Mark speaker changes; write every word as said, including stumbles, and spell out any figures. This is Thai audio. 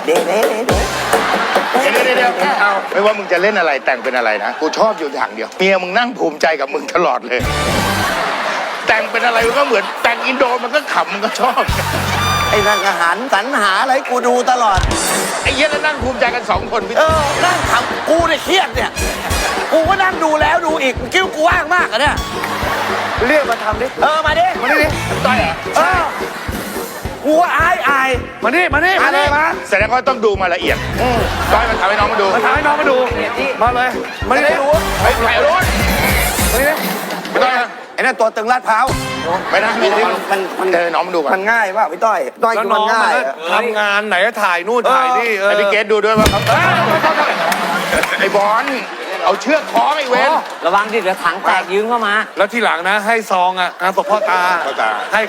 Speaker 1: เดี๋ยวเดี๋ยวเดี๋ยว
Speaker 2: เดี๋ยวเดี๋ยวเดี๋ยวเอาไม่ว่ามึงจะเล่นอะไรแต่งเป็นอะไรนะกูชอบอยู่อย่างเดียวเมียมึงนั่งภูมิใจกับมึงตลอดเลย แต่งเป็นอะไรมันก็เหมือนแต่งอินโดมันก็ขำมันก็ชอบ
Speaker 1: ไอ้นั่นอาหารสรรหาอะไรกูดูตลอด
Speaker 2: ไอ้เหี้ยแล้วนั่งภูมิใจกันสองคนพี่
Speaker 1: เออนั่งทำกูเนี่ยเครียดเนี่ยกูก็นั่งดูแล้วดูอีกคิดว่ากูว่างมากอะเนี่ย
Speaker 3: เรียกมาทำดิ
Speaker 1: เออมาดิ
Speaker 3: มานี่ดิ
Speaker 2: ต้อยเหรอ
Speaker 1: เออกูว่าอายอาย
Speaker 3: มานี่มานี่มานี่มา
Speaker 2: แสดงว่าต้องดูมาละเอียดต้อยมันทำให้น้องมาดู
Speaker 3: มาถ่ายให้น้องมาดู มาเลย มา
Speaker 1: จะ
Speaker 3: นี่
Speaker 1: ได้รู้
Speaker 2: เฮ้ยถ่ายรูป
Speaker 3: มานี่ดิ
Speaker 2: ไม่ต้องนะ
Speaker 1: ไอ้นั่นตัวตึงลาดพร้าว
Speaker 2: ไม่ได้ไม่ได้
Speaker 1: มันมัน
Speaker 2: เจอน้องมาดูก่อน
Speaker 1: มันง่ายป่ะพี่ต้อยต้อย
Speaker 3: แล้ว
Speaker 1: คือ
Speaker 3: น้
Speaker 1: มั
Speaker 3: อน ง
Speaker 1: ง่า
Speaker 3: มัน
Speaker 1: ย
Speaker 3: ก็
Speaker 1: อะ
Speaker 3: ทำงานไหนก็ถ่ายนู่นถ่ายนี่เออ
Speaker 2: ไอพี่เกดดูด้วยว่าเขาไอบอลเอาเชือกคล้องไอเวน
Speaker 4: ระวังดิเดี๋ยวถังแตกยืมเข้ามา
Speaker 3: แล้วทีหลังนะให้ซองอ่ะงานศพพ่อตา
Speaker 2: พ่อตา
Speaker 3: ให้